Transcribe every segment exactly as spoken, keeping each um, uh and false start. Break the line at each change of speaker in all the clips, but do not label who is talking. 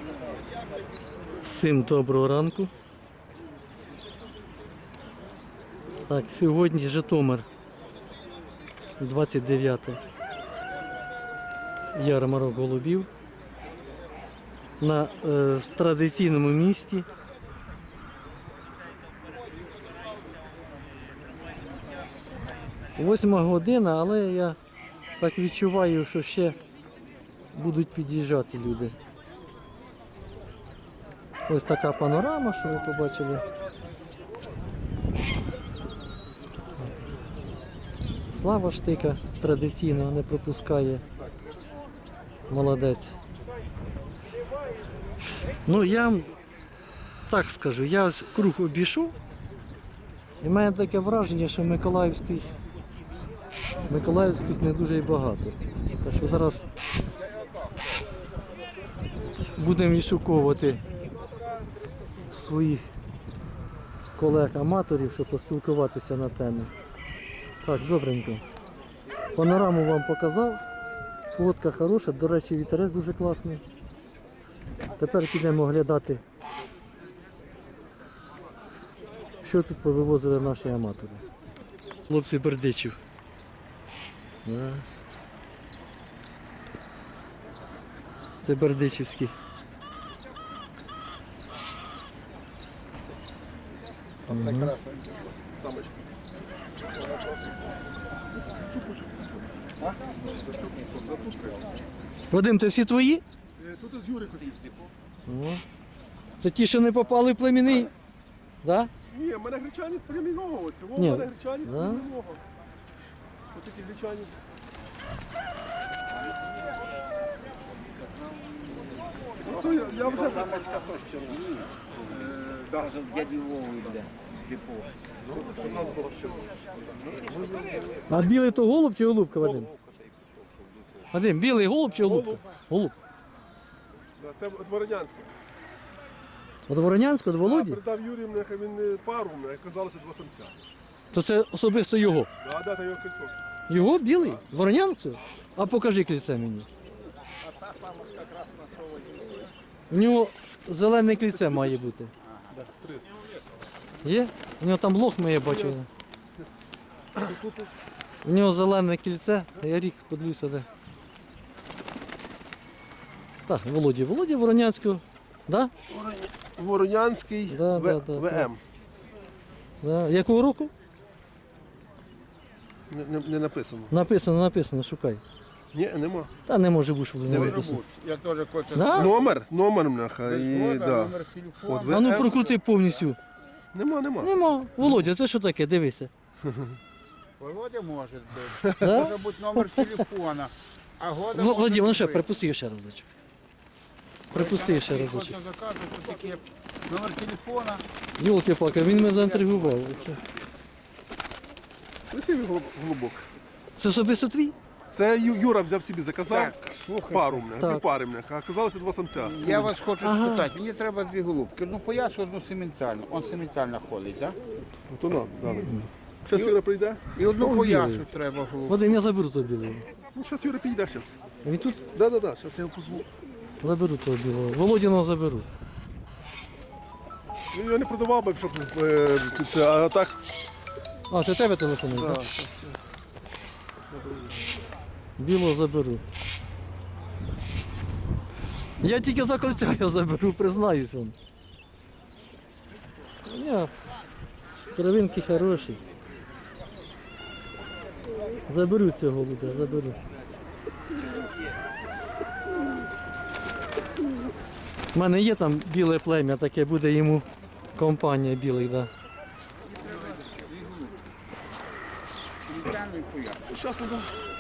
Всім доброго ранку. Так, сьогодні Житомир, двадцять дев'яте ярмарок голубів на е, традиційному місці. Восьма година, але я так відчуваю, що ще будуть під'їжджати люди. Ось така панорама, що ви побачили. Слава Штика традиційно не пропускає. Молодець. Ну я вам так скажу, я ось круг обійшов, і в мене таке враження, що Миколаївських, Миколаївських не дуже і багато. Так що зараз будемо відшуковувати своїх колег-аматорів, щоб поспілкуватися на тему. Так, добренько. Панораму вам показав. Фотка хороша, до речі, вітерець дуже класний. Тепер підемо оглядати, що тут повивозили наші аматори. Хлопці Бердичів. Да. Це бердичівські.
А це красна самочка.
Вадим, це всі твої?
Тут із Юрика.
О. Це ті, що не попали в племінний? Да?
Ні, в мене гречані з племінного. Оце в
Ні.
мене гречані з
Да?
племінного. Ось такі гречані. Просто я, я вже...
Самочка то що вниз. Даже в дяді Вові, бля, депо.
У нас було все.
А білий то голуб чи голубка, Вадим? Вадим, білий голуб чи голубка? Голуб.
Да, це Дворянянське.
От Воронянського, до
Я
Володі?
передав Юрію, мене, він пару, мене оказалося два самця.
То це особисто його.
Да, да, та його кольцо.
Його білий? Воронянцю? А покажи кільце мені.
А та самочка красна, що водій.
У нього зелене кільце має бути.
Да, триста.
Є? У нього там лох моє бачив. У нього зелене кільце, а я рік подивлюся де. Так, Володі. Володі Воронянського. Да?
Воронянський
Да,
В-
да, да,
ВМ.
Да. Якого року?
Не, не, не написано.
Написано, написано, шукай.
Ні, нема.
Та не може бути, що не
Диви.
написано.
Я теж хочу.
Да?
Номер, номер мляха.
Без
І,
года,
да.
номер телефону.
От
А ну
ВМ.
прокрути повністю.
Нема, нема.
Нема. Володя, це що таке? Дивися.
Володя може бути.
Да?
Може бути номер телефона. А года
В-
може
Вадим, ну ще,
бути.
припусти його ще разочок. Припусти ще разочок.
Хоче заказувати, що таке номер телефона.
Йолки-палки, він мене заінтригував.
Красивий голуб- голубок.
Це особисто твій?
Це Ю- Юра взяв собі, заказав
Так, слухай.
пару мене,
Так.
дві пари мене, а оказалося два самця.
Я вас хочу
Ага.
спитати, мені треба дві голубки. Одну поясу, одну сементальну. Он сементально ходить, так?
То надо, да. Зараз Юра прийде.
І одну
Ну,
поясу
білий.
треба голубку.
Вадим, я заберу того білого.
Ну, зараз Юра підійде зараз.
Він тут?
Да, да, да, зараз я його позву.
Заберу того білого. Володіного заберу.
Він його не продавав би, щоб е, це, а так.
А, це тебе телефонує,
Да,
так?
щас.
Білого заберу. Я тільки за кольця його заберу, признаюсь вам. Ні, кровинки хороші. Заберу цього голубя, заберу. У мене є там біле плем'я, таке буде йому компанія білих, да.
Сементальну поясу.
Зараз туди.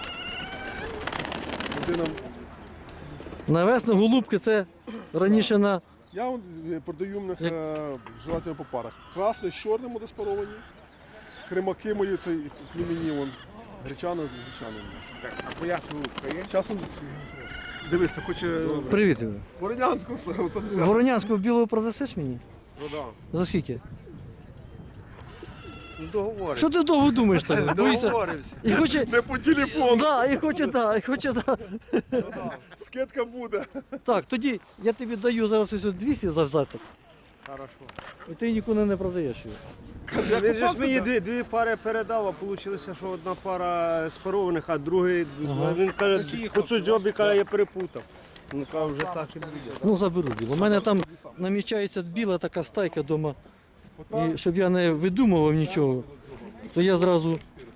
Людина.
На весну голубки це раніше на...
Я вон, е, продаю в них е, желательно по парах. Красний з чорним розпаровані. Кримаки мої, цей племінні, вон. Гречана з гречаним.
Так, а пояс голубка є?
Зараз він, дивися, хоче
Привіт, Ігор.
Воронянську самця.
Воронянського білого продасиш мені?
Ну, да.
За скільки?
Договорився.
Що ти довго думаєш так? Боїшся?
Договорився.
І хоче,
Не по телефону.
да, і хоче, да, і хоче, да.
Скидка буде.
Так, тоді я тобі даю зараз ось двісті за взяток,
Хорошо.
і ти нікуди не продаєш його.
Він же ж мені дві, дві пари передав, а вийшло, що одна пара спарованих, а другий,
Ага.
він каже, по цю джобі, каже, я перепутав. Ну, каже, вже так і буде.
Ну, заберу біло. У мене там намічається біла така стайка вдома. І щоб я не видумував нічого, то я зразу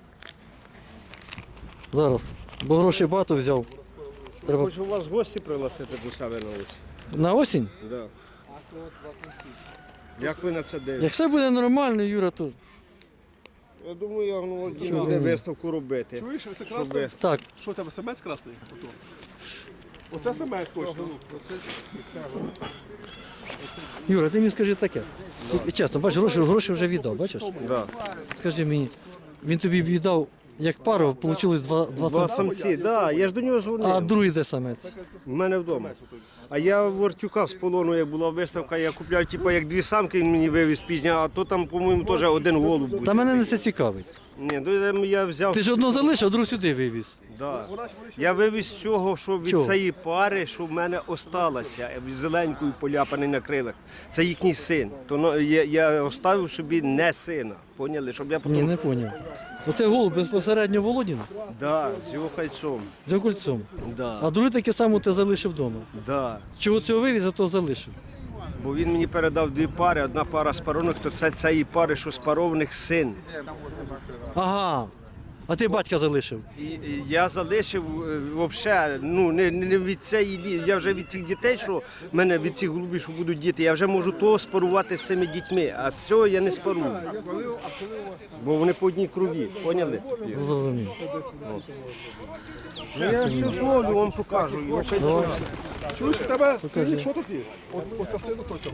зараз, бо гроші багато взяв. Треба
Хочу вас гості пригласити до себе на ось.
на осінь.
Да. Як ви на це дивитесь?
Як все буде нормально, Юра, то
Я думаю, я ну,
Чого
буде
ні?
виставку робити.
Чуєш, це
Щоб
красний?
ви-
так.
Що у тебе, самець красний? Ото. Оце самець точно.
Юра, ти мені скажи таке. Ти, чесно, бачиш, гроші, гроші вже віддав, бачиш?
Да.
Скажи мені, він тобі віддав як пару, вийшло два, два,
Два
самці.
самці, да, я ж до нього
А
дзвонив.
другий де самець?
У мене вдома. А я в Вортюка з полону, як була виставка, я купляв типу, як дві самки, він мені вивіз пізня, а то там, по-моєму, теж один голуб буде.
Та мене не це цікавить.
Ні, то я взяв.
Ти ж одну залишив, а другу сюди вивіз.
Да. Я вивіз цього, що від
Чого?
цієї пари, що в мене осталося, зеленькою поляпаний на крилах. Це їхній син. То ну, я, я оставив собі не сина. Поняли? Щоб я
Ні,
потім.
не зрозумів. Оце голуб безпосередньо Володін
Да, з його кольцом.
за кольцом.
Да.
А другий таке саме ти залишив вдома.
Да.
Чого цього вивіз, а то залишив.
Бо він мені передав дві пари, одна пара спарованих, то це цієї пари, що спарованих син.
Ага. А ти батька залишив.
І, і я залишив взагалі, ну не, не від цієї лі- я вже від цих дітей, що в мене від цих голубів, що будуть діти, я вже можу того спарувати з цими дітьми, а з цього я не спарую. Бо вони по одній крові, поняли?
Зрозумів.
Ну, я все зловлю, вам покажу. його кольцо.
Чуєш, у тебе синік, що тут є? Оце, оце син хоче.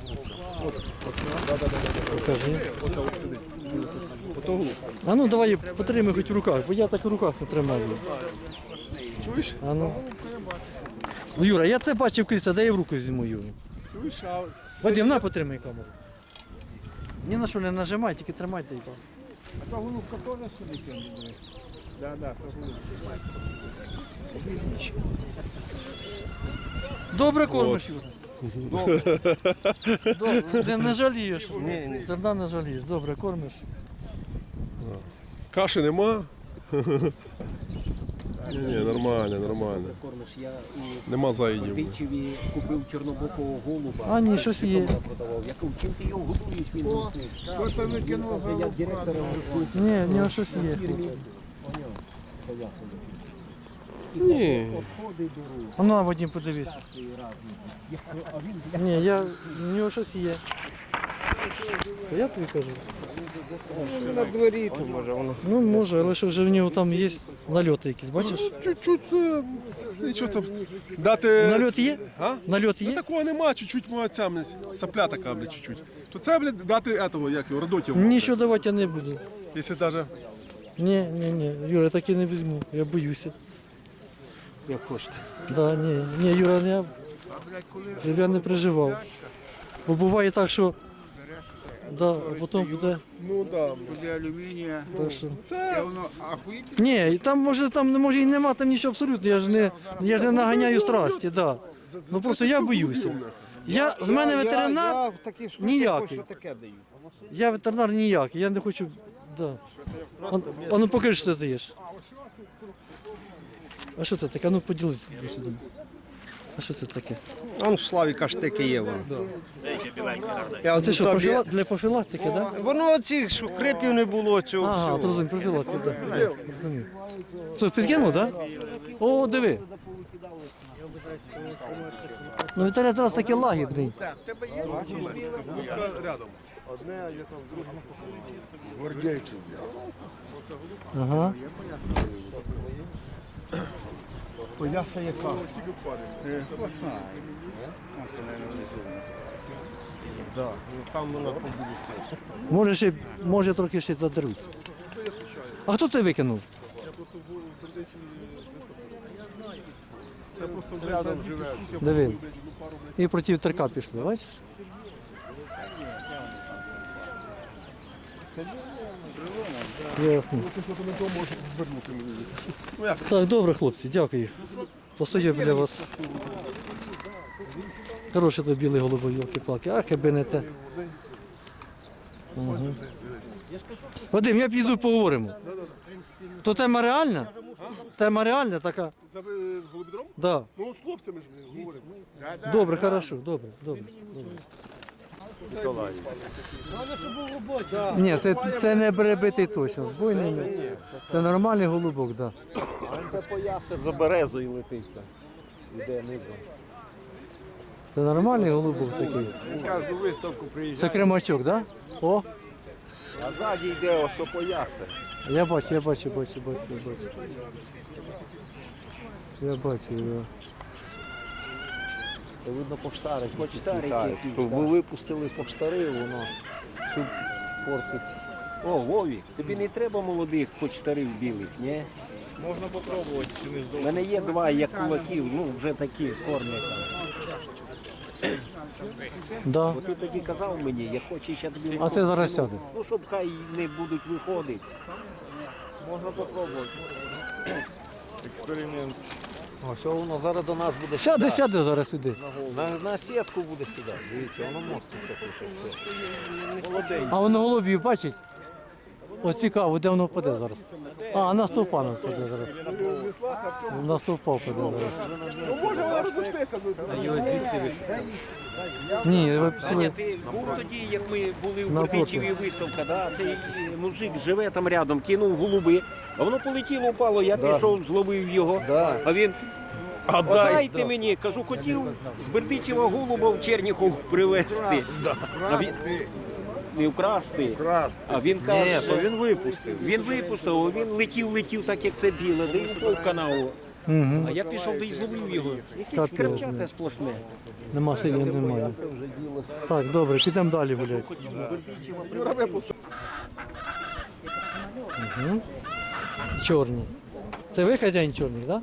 Покажи.
Ото голуб.
А ну давай потримай хоч в руках, бо я так в руках не тримаю.
Чуєш?
А ну. Ну, Юра, я це бачив крізь, де я в руку візьму Юру.
Чуєш, а
Вадим, на потримай камеру. Ні на що не нажимай, тільки тримайте її.
А то голубка теж сюди кинули. Да, да, то голубка.
Добре кормиш, Юра. Добре. Не, не жалієш. Зерна не жалієш. Добре кормиш.
каші нема? Ні, ні, нормально, нормально.
Кормиш, я у
Нема заїдів.
Пічеві купив чорнобокого голуба.
А, ні, щось є.
Продавав. Я кажу, чим ти його годуєш? Він мовчить. Хто там викинув голубка? Я директором
Ні, в нього щось є.
Ні.
Обходи беру.
А ну, Вадим, подивись.
А він
Ні, я, в нього щось є. То я тобі кажу.
На дворі, то може воно.
Ну, може, але що вже в нього там є нальоти якісь, бачиш?
Чуть-чуть це, нічого там. Дати...
Нальот є?
А?
Нальот
Ну
є?
такого нема, чуть-чуть моя ця, блядь, сопля така, блядь, чуть-чуть. То це, блядь, дати этого, як його, родотів.
Нічого давати я не буду.
Якщо даже...
Ні, ні, ні, Юра, я таки не візьму, я боюся.
Як хочете.
Да, ні, ні, Юра, я, щоб я не переживав. Бо буває так, що да, а потім буде.
Ну да.
Буде алюмінія.
Так що.
Це...
Воно ахуїть.
Ні, там може там не може і нема там нічого абсолютно. Я ж не я ж не наганяю страсті, да. Ну просто я боюся. Я з мене ветеринар,
Я, я в такій штуці
ніякий.
що таке даю.
я ветеринар ніякий, я не хочу. Да. А, а ну покажи, що ти даєш. А що це таке? А ну поділись сюди. А що це таке?
Он в Славіка штики є воно. Я
А це що,
тобі-
профіла... для профілактики, так? Да?
Воно цих, що крипів не було цього
Ага,
всього.
то розумію, профілактика, так. Да. Розумію. Що, підкинув, так? Да? О, диви. Ну, Віталій зараз такий лагідний.
Рядом.
Ага.
Пояса яка? Да, ну там вона побуде.
Може, ще, може трохи ще задеруться. А хто це викинув?
Це просто рядом живе.
Диви. І проти вітерка пішли, бачиш? Ясно.
Ну, ти що не то може звернути мені. Ну як?
Так, добре, хлопці, дякую. Постою біля вас. Хороший то білий голубой, йолки-палки. Ах, якби не те. Угу. Вадим, я піду поговоримо. То тема реальна? Тема реальна така?
За е, голубідром?
Да.
Ну, з хлопцями ж ми говоримо.
Добре, хорошо, добре, добре. добре. Ні, це, це не перебитий точно. Збойний не. Це нормальний голубок, так. Да.
Це поясив за березою летить. там. Іде низом.
Це нормальний голубок такий.
Кожну виставку
Це
приїжджає.
кремачок, так? Да? О,
А ззаді йде ось опоясе.
я бачу, я бачу, бачу, бачу, я бачу. Я бачу, да.
Це видно поштари.
Поштари
літають.
якісь,
То
так.
ви випустили поштари, воно всю портить.
О, Вові, тобі не треба молодих почтарів білих, ні?
Можна попробувати, чи не
У
здобути.
мене є два як кулаків, ну вже такі форми там.
Да.
Бо ти тоді казав мені, я хочу ще тобі.
А це зараз сяде.
Ну, щоб хай не будуть виходити.
Можна попробувати. Експеримент.
Ось воно зараз до нас буде
Сяде,
сідати.
сяде зараз сюди.
На, на сітку буде сідати. Дивіться, воно моститься тут.
Молодий.
А воно голубів бачить? Ось цікаво, де воно впаде зараз. А, на стовпа воно впаде зараз.
Неслася, а в чому?
На стовпа впаде зараз.
Ну, може вона рознестися.
Ні, ви
Аня,
пішли.
ти був тоді, як ми були в
Напроти.
Бердичеві виставка, да? Цей е, мужик живе там рядом, кинув голуби, а воно полетіло, упало, я пішов, зловив його, а він. А дайте мені, кажу, хотів з Бердичева голуба в Черніхов привезти. А він, не вкрасти, а він каже,
Ні, то він випустив.
він випустив, а він летів, летів так, як це біле, де й упав в канаву.
Угу.
А я пішов, де й зловив його. Якесь
Капець,
крапчате
блін.
сплошне.
Нема силі, немає. Так, добре, підемо далі гуляти.
Юра випустив.
Угу. Чорні. Це ви хазяїн чорний, так? Да?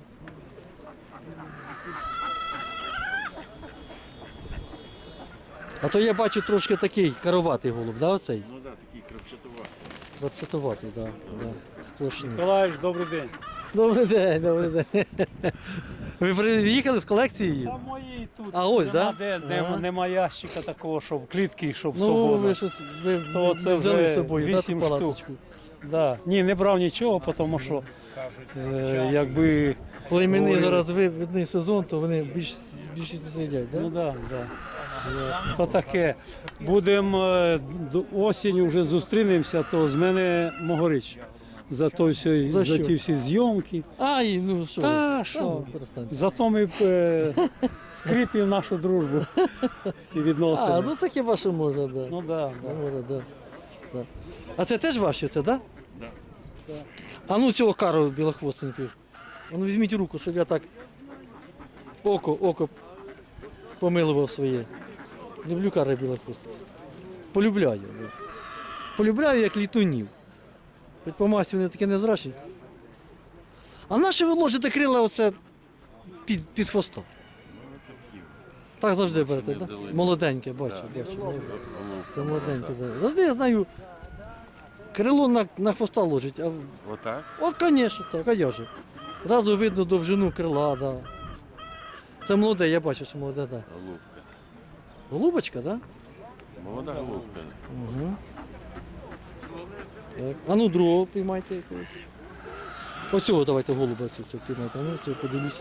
А то я бачу трошки такий кароватий голуб, да, оцей?
Ну так, такий крапчатуватий.
Крапчатуватий, так. Да, да. Сплошний.
Миколаївич, добрий день.
Добрий день, добрий день. Ви приїхали з колекцією?
А мої тут
А ось,
нема,
да?
де, нема,
Ага.
нема ящика такого, щоб клітки, щоб
Ну,
свобода.
ви щось ви,
То
ви
це
взяли
вже
з собою, да,
вісім
ту
штук.
палаточку?
Да. Ні, не брав нічого, тому що е, якби.
Племени
Ой.
зараз ви- видний сезон, то вони більш, більшість не сидять,
Ну
так? Да?
да, да. То таке. Будемо е, до осінь вже зустрінемося, то з мене Могорич. За, то все,
За
за,
що?
ті всі зйомки.
Ай, ну що?
Та,
ви,
що?
ну, перестаньте.
Зато ми е, скріпимо нашу дружбу і відносини.
А, ну таке ваше може, да.
Ну да,
Ну,
да.
може, да. Да. А це теж ваші, це, так? Да? А ну цього кару білохвостенького. А ну візьміть руку, щоб я так око, око помилував своє. Люблю кари білохвостеньких. Полюбляю. Да. Полюбляю як літунів. Хоч по масті вони такі невзрачні. А наше ви ложите крила оце під, під хвостом. Так завжди берете, так? Да? Молоденьке, бачу, бачу. молоденьке. Це молоденьке, так. Да. Завжди я знаю, крило на, на хвоста ложить, а
Отак?
О, звісно, так, а я же. Зразу видно довжину крила, да. Це молоде, я бачу, що молоде, так.
Голубка.
Голубочка, так?
Молода голубка.
Угу. Так. А ну другого піймайте якогось. Оцього давайте голуба цього цього піймайте. А ну цього подивіться.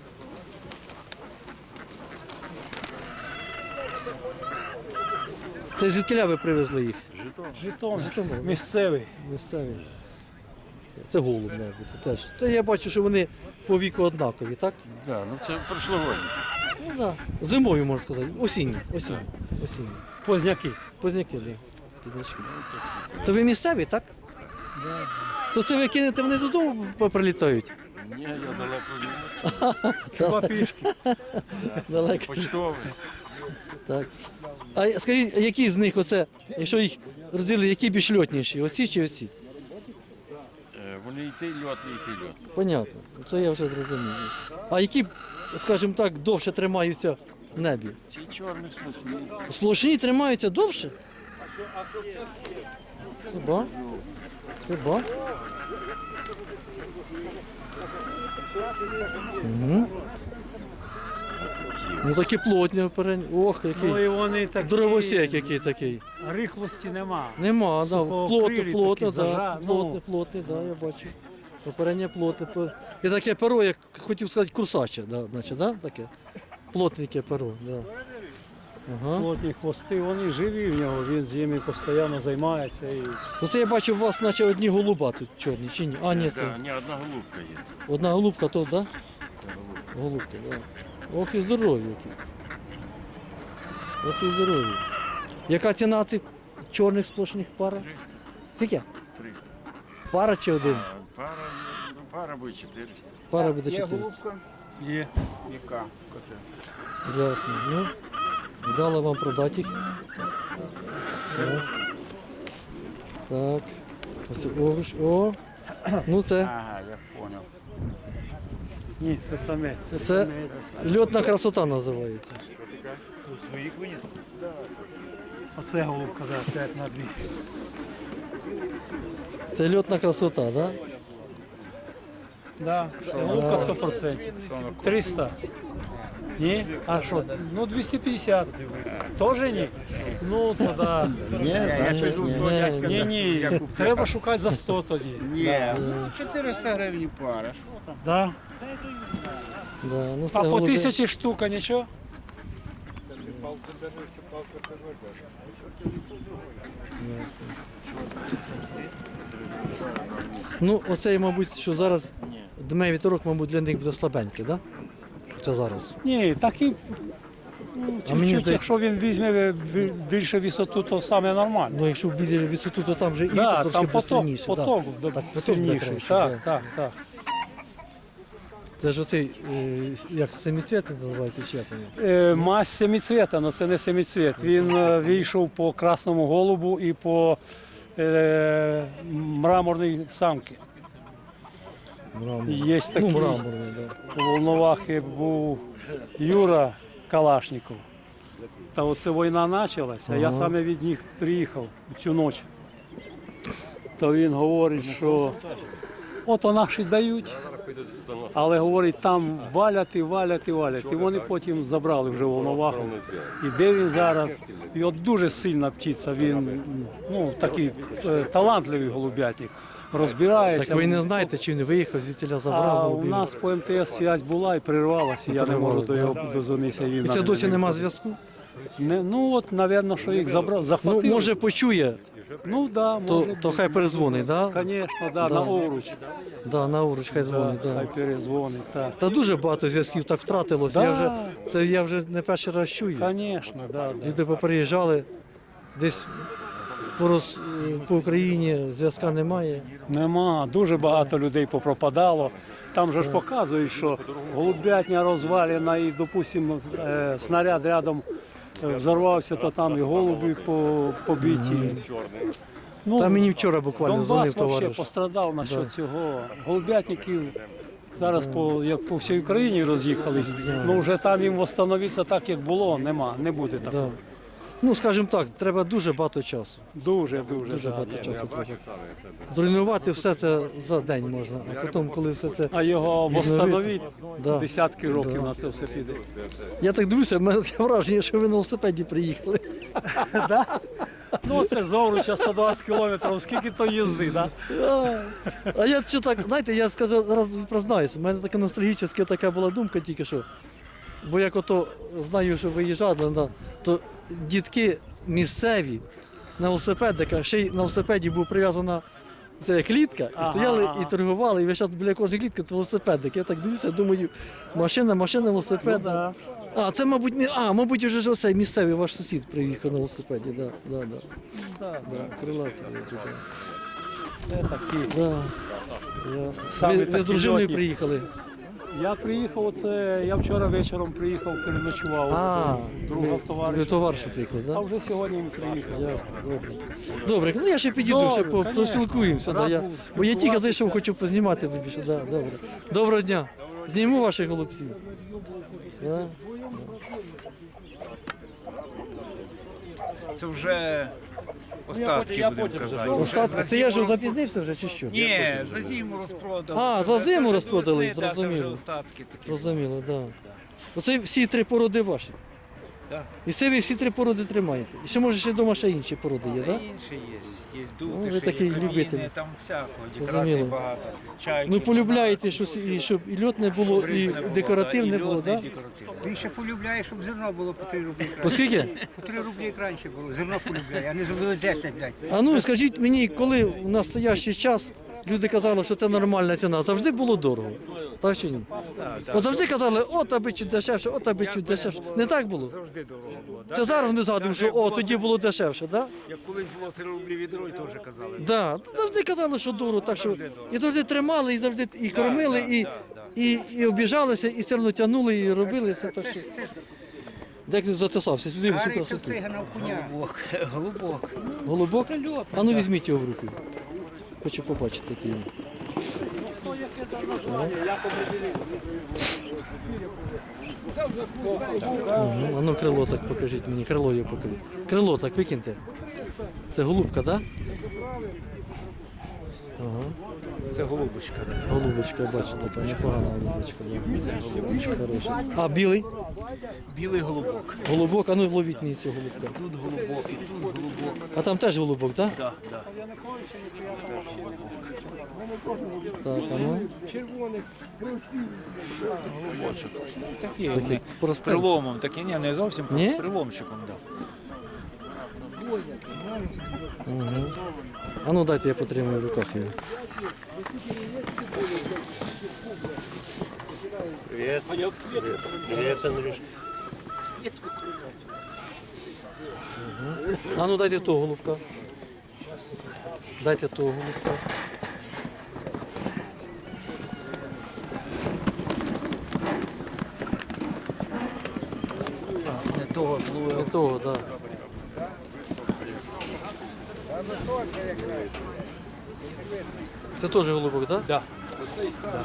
Це звідкіля ви привезли їх?
Житомир.
Житомир.
Місцевий.
Місцеві. Це голуб, має бути теж. Це я бачу, що вони по віку однакові, так?
Да, ну це прошлогодні.
Ну так. Да. Зимою, можна сказати. Осінні. Осінні. Осінні.
Позняки.
Позняки, так. Да. Позначки. То ви місцеві, так? Да. То це ви кинете, вони додому прилітають?
Ні, я далеко
Хіба пішки.
Далеко.
почтовий.
Так. А скажіть, а які з них оце, якщо їх родили, які більш льотніші? Оці чи оці?
Е, Вони і той льотний, і той льотний.
Понятно. Це я вже зрозумів. А які, скажімо так, довше тримаються в небі?
Ці чорні сплошні.
Сплошні тримаються довше? Хіба? Хіба? Угу. Ну такі плотні оперені. Ох,
Ну
який.
і вони такі...
Дровосек який такий.
Рихлості нема.
Нема, да,
Сухоокрилі
плотно, плотно,
такі,
да,
зажа-
плотне,
ну.
плотне, да, я бачу. Оперення плотне. пе- І таке перо, як хотів сказати, курсаче, да, значить, да, таке? Плотненьке перо, да. Ага.
Плотні хвости, вони живі в нього, він з ними постійно займається. І...
То це я бачу, у вас наче одні голуба тут чорні, чи ні? А, ні,
Да,
це
ні, одна голубка є.
одна голубка, то, да? Голубка, да. Ох і здорові які. Ох і здорові. Яка ціна цих чорних сплошних пара?
триста.
Скільки?
триста.
Пара чи один?
А пара, ну, пара буде чотириста.
Пара буде чотири.
Є.
Яка?
Ясно. Ну, дали вам продати їх. Так. Так. Ось це овоч. О. Ну це.
Ага, я понял.
Ні, це самець. Це,
Це
самець.
льотна красота називається.
Своїх виніс?
Оце голубка, да, п'ять на дві.
Це льотна красота, так? Да?
Да, це голубка сто відсотків. триста. Ні? А що? Ну двісті п'ятдесят. Тоже ні? Ну тоді.
Ні, я піду
ні,
цього
ні,
дядька.
Ні, ні, треба шукати за сто тоді.
Ні, чотириста гривень пара.
Да?
Да. Ну, це
А по
голуби-
тисячі штука нічого?
Ну, оцей, мабуть, що зараз дме вітерок, мабуть, для них буде слабенький, так? Да? Це зараз.
Ні, такий. Ну,
А мені
чуть-чуть,
здається-
якщо він візьме бі- більше висоту, то саме нормально.
Ну, якщо вбіде висоту, то там вже і
Да,
вітер
там
трошки буде
поток,
сильніше.
поток,
да.
да,
Так, поток
сильніший.
буде краще,
Так,
да.
так, так.
Це ж оцей, е, як семицвітний називається, чи як він?
Е, Мазь семицвіта, але це не семицвіт. Він е, вийшов по красному голубу і по е, мраморній самці.
Мраморний.
Є такий.
Ну, мраморний, да.
У Волновахи був Юра Калашников. Та оце війна почалася, а я
Ага.
саме від них приїхав цю ніч. То він говорить, що ото наші дають, але говорить, там валять і валять і валять. І вони потім забрали вже Волноваху. І де він зараз? І от дуже сильна птиця, він ну, такий е, талантливий голубятник. Розбирається.
Так ви не знаєте, чи він виїхав, звідтіля забрав
А у
голубів?
нас по ем те ес зв'язь була і перервалася, я не можу до його дозвонитися. Він
І
на
це
мене
досі
не
нема
відповів.
зв'язку?
Не, ну от, напевно, що їх забрав,
Ну,
захватили.
може почує,
Ну, да,
то,
може.
то хай перезвонить, так? Да?
Звісно, да,
Да.
на овруч.
Да, на уруч хай
Да,
дзвонить,
хай
да.
перезвонить, так.
Та дуже багато зв'язків так втратилось.
Да.
Я вже, це я вже не перший раз чую.
Звісно, да, да.
Люди поприїжджали, десь по, роз, по Україні зв'язка немає.
Нема, дуже багато людей попропадало. Там же ж показують, що голубятня розвалена і, допустимо, е, снаряд рядом е, взорвався, то там і голуби по- побиті. Ну,
Та мені вчора буквально
Донбас
дзвонив
взагалі
товариш.
пострадав насчет цього. Голубятників зараз по, як по всій Україні роз'їхались, ну вже там їм встановитися так, як було, нема, не буде такого.
Да. Ну, скажімо так, треба дуже багато часу.
Дуже, дуже,
Дуже
да,
багато
да.
часу треба. Зруйнувати все це за день можна, а потім, коли все це.
А його встановити
Да.
десятки років
Да.
на це все піде.
Я так дивлюся, в мене таке враження, що ви на велосипеді приїхали.
Ну це Зовруча сто двадцять кілометрів, скільки то їзди, да?
А, а я що так, знаєте, я скажу, зараз признаюся, у мене така ностальгічна така була думка тільки що. Бо як ото знаю, що виїжджали, да, то дітки місцеві на велосипедиках, ще й на велосипеді був прив'язана ця клітка, і
Ага,
стояли
ага.
і торгували, і весь час біля кожної клітки то велосипедик. Я так дивлюся, думаю, машина, машина, велосипед.
Ну, да.
А, це, мабуть, не. А, мабуть, вже ж оцей місцевий ваш сусід приїхав на велосипеді. Да, да, да.
Да,
Да, крилатий. да.
Це такі.
Да. Ясно.
Самі
Ви, ви з
такі
дружиною
льотні.
приїхали?
Я приїхав, оце, я вчора вечором приїхав, переночував
А,
у друга
ви
товариша.
товариша приїхали,
А
так?
вже сьогодні він приїхав.
Ясно, добре. Добре, ну я ще підійду,
Добре,
ще по-
конечно.
поспілкуємося. Да,
Рад
я,
був
бо я тільки
спілкуватися.
зайшов, хочу познімати більше. Да, добре. Доброго дня. Зніму ваших голубців. Да?
Це вже Остатки будемо казати.
Остатки, це я ж запізнився вже чи що?
Ні, за зиму розпродали.
А,
Це
за зиму
вже
розпродали,
до весни, да, це вже
зрозуміло.
остатки такі.
Зрозуміло, так. Да. Оце всі три породи ваші.
Так.
І це ви всі три породи тримаєте. І ще може ще вдома ще інші породи є,
Та
так?
інші є. Є
Ну, ви
дути,
такий
є каміни,
любитель.
там всякого,
Зрозуміло.
декорацій багато. Чайки.
Ну полюбляєте, що і щоб і льотне було,
щоб
і
різне було,
декоративне
да, і
було,
льотне,
так?
і декоративне.
Він ще полюбляє, щоб зерно було по три рублі
По
краще.
скільки?
По три рублі як раніше було. Зерно полюбляє, а не зробили десять, блядь.
А ну скажіть мені, коли в настоящий час люди казали, що це нормальна ціна, завжди було дорого. Так чи ні? От завжди казали, от аби чуть дешевше, от аби чуть дешевше. Не так було?
Завжди дорого було.
Це зараз ми згадуємо, що о, тоді було дешевше, так?
Як колись було три рублі відро, і теж казали.
Да, завжди казали, що дорого, так що
Завжди дорого.
і завжди тримали, і завжди і кормили,
да,
і,
да, да.
і, і обіжалися, і все одно тягнули, і робили все так що. Де ти затисався? Сюди всю
Гарий це
красоту.
цигана в коня.
Голубок.
Голубок?
Це льот.
А ну візьміть його в руку. Хочу побачити який він. Мгм. А ну крило так покажіть мені, крило його покажіть. Крило так викиньте. Це голубка, так? Да? Ага.
Це голубочка.
Голубочка, бачу, така непогана голубочка. Да. Голубочка хороша. А білий?
Білий голубок.
Голубок, а ну ловіть мені цього голубка.
Тут голубок, і тут голубок.
А там теж голубок, так?
Так, так.
Так, а ну.
Такі
Такі
вони. З
простенькі.
приломом, такі, ні, не зовсім,
Ні?
з приломчиком, так.
Угу. А ну дайте я потримаю в руках його.
Привіт. Привіт, Андрюшка.
А ну дайте того голубка. Дайте того голубка.
Не того зловив.
Не того, так. Да. Це теж голубок, так? Да?
Да.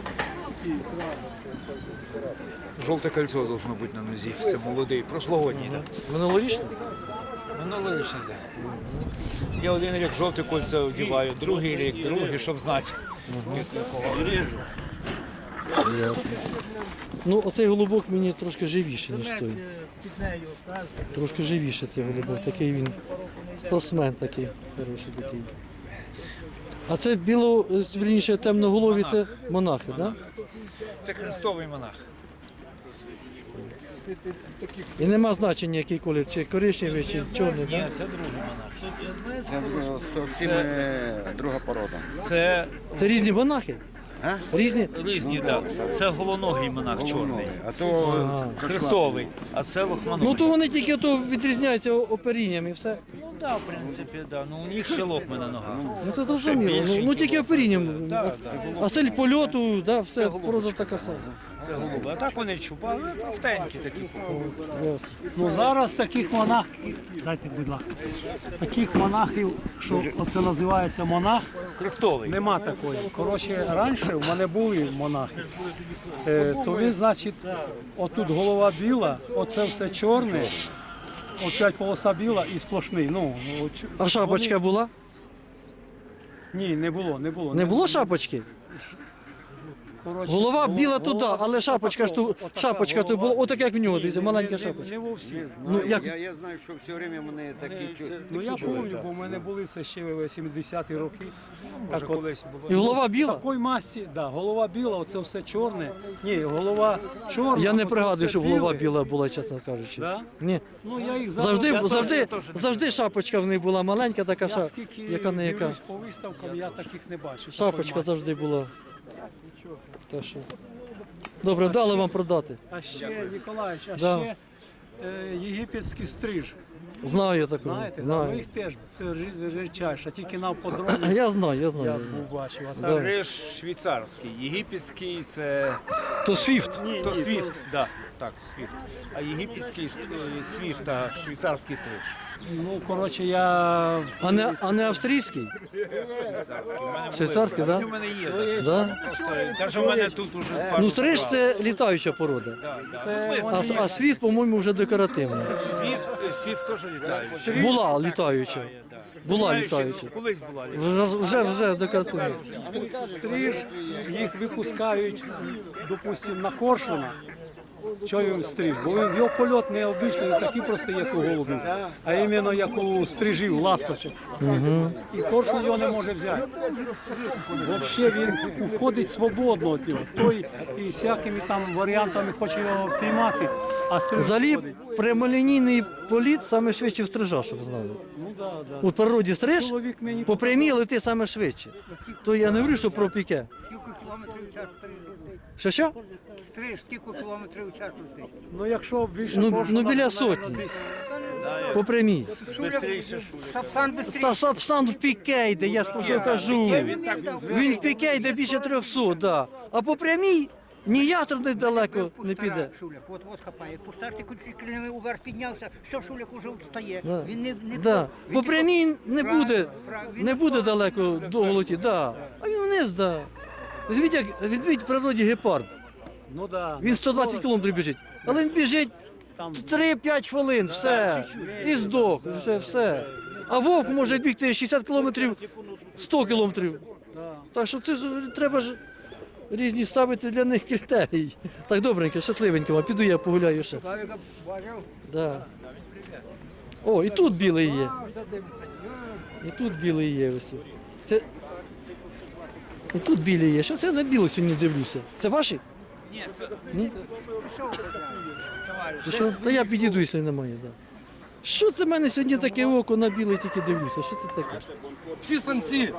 Жовте кольцо должно бути на нозі. Це молодий, прошлогодній, так.
Минулорічний?
Минулорічний, так. Я один рік жовте кольце одягаю, другий рік, другий, щоб знати.
Ясно. Ну, оцей голубок мені трошки живіший, ніж той. Трошки живіший цей голубок. Такий він спортсмен такий, хороший такий. А це біло, вірніше, темноголові, це монахи, так? Да?
Це хрестовий монах.
І нема значення, який колір, чи коричневий, чи чорний,
Ні,
так?
це другий монах.
Це зовсім друга порода.
Це
Це різні монахи?
А?
Різні?
різні, так. Це голоногий монах чорний.
А то
Хрестовий, а це лохманогий.
Ну то вони тільки то відрізняються оперінням і все.
Ну так, в принципі, да. Ну у них ще лохми на ногах.
Ну це зрозуміло. Ну,
більшенькі
ну тільки оперінням.
Так,
А стиль польоту, да, все,
Це голубочка,
просто така сама.
Це голуби. А так вони чупали, ну, простенькі такі.
Ясно.
Ну зараз таких монахів, дайте, будь ласка, таких монахів, що оце називається монах,
Хрестовий.
нема такої. Коротше, раніше в мене були монахи. Е, то він, значить, отут голова біла, оце все чорне, опять полоса біла і сплошний. Ну, от,
А шапочка була?
ні, не було, не було.
Не було шапочки?
Коротше,
Голова
голова-
біла туди,
голова
але шапочка ж ту,
отака
шапочка тут
голова.
була, отак як в нього, дивіться,
Ні,
маленька
не- не-
шапочка.
Не во всіх.
Ну, як...
я, я знаю, що все время вони такі чу-
Ну я пам'ятаю, бо в мене були це ще в сімдесяті роки.
Може,
Так от,
колись було.
І голова біла?
такої масті, да, голова біла, оце все чорне. Ні, голова чорна.
Я не
оце
пригадую,
все
що голова
біле.
біла була, чесно кажучи.
Да?
Ні.
Ну я їх
Завжди,
зараз-
завжди,
я теж не
завжди шапочка в них була маленька, така
Я
ша,
скільки
яка не яка.
дивлюсь по виставкам, я таких не бачу. такої
Шапочка
масті.
завжди була. Та що. Добре, дали вам продати.
А ще, Ніколаєвич, а
Да.
ще е, єгипетський стриж.
Знаю таку.
Знаєте, да, ну
Знаю.
їх теж це ри- рідчайше, тільки на подробні
Я знаю, я
я
знаю.
був бачив. А
Да.
так,
Стриж швейцарський, єгипетський це
То свіфт.
то свіфт, да. так, свіфт. А єгипетський е, свіфт та швейцарський стриж.
Ну, коротше, я
А не, а не австрійський?
Швейцарський. У мене
Швейцарський,
були.
так?
У мене є.
Да?
Просто, навіть у мене тут уже з
Ну, стриж це літаюча порода.
це
А, а світ, по-моєму, вже декоративний.
Свіфт, е, свіфт теж літає.
Була літаюча. Була
Знаєш,
літаюча.
Колись була літаюча.
Вже, вже, вже декоративна.
стриж, їх випускають, допустимо, на коршуна. Чого він стриж? Бо він- його польот не обичний, не такий просто, як у голубів, а іменно як у стрижів, ласточок. І коршун його не може взяти. Взагалі він уходить свободно від нього. Той і всякими там варіантами хоче його піймати, а стриж
Взагалі,
виходить.
прямолінійний політ саме швидше в стрижа, щоб знали.
Ну, да, да.
У природі стриж
Чоловік мені
по прямій летить саме швидше. То я не говорю, що про піке.
Скільки кілометрів у час стриж летить?
Що що?
Стриж, скільки кілометрів у час летить?
Ну, якщо більше
Ну,
коршуна,
ну, біля
то, наверно,
сотні.
десь
По прямій.
Сапсан бистріше.
Та Сапсан в піке йде, я ж про що кажу. Він в піке йде більше трьохсот, да. А по прямій ні ястреб далеко не піде.
Шуляк, от от хапає. По старті крильними уверх піднявся, все, Шуляк уже встає.
Да.
Він не, не
Да.
він
По
тільки-
прямій не
Правильно,
буде,
правильно. Він
не
на
буде
сторону.
далеко довго летіти, да. А він вниз, да. Візьміть, як відміть в природі гепард.
Ну, да.
Він сто двадцять кілометрів біжить. Але він біжить
Там
три-п'ять хвилин, все. І здох, вже все. А вовк може бігти шістдесят кілометрів, сто кілометрів. Так що ти ж треба ж різні ставити для них критерії. Так, добренько, щасливенько, а піду я погуляю ще.
Славіка бачив?
Да. О, і тут білий є. І тут білий є ось. Це... І тут білий є. Що це я на білих сьогодні дивлюся? Це ваші?
Ні, це
Ні?
товариш.
Ти що? Та я підійду, якщо немає, да. Що це в мене сьогодні таке око на білий тільки дивлюся? Що це таке?
Всі самці.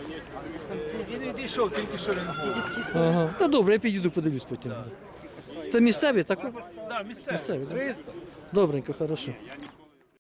Він відійшов, тільки що він був.
Ага. Та добре, я підійду, подивлюсь потім. Це місцеві, так?
Да, місцевий.
Місцеві, так? Добренько, хорошо.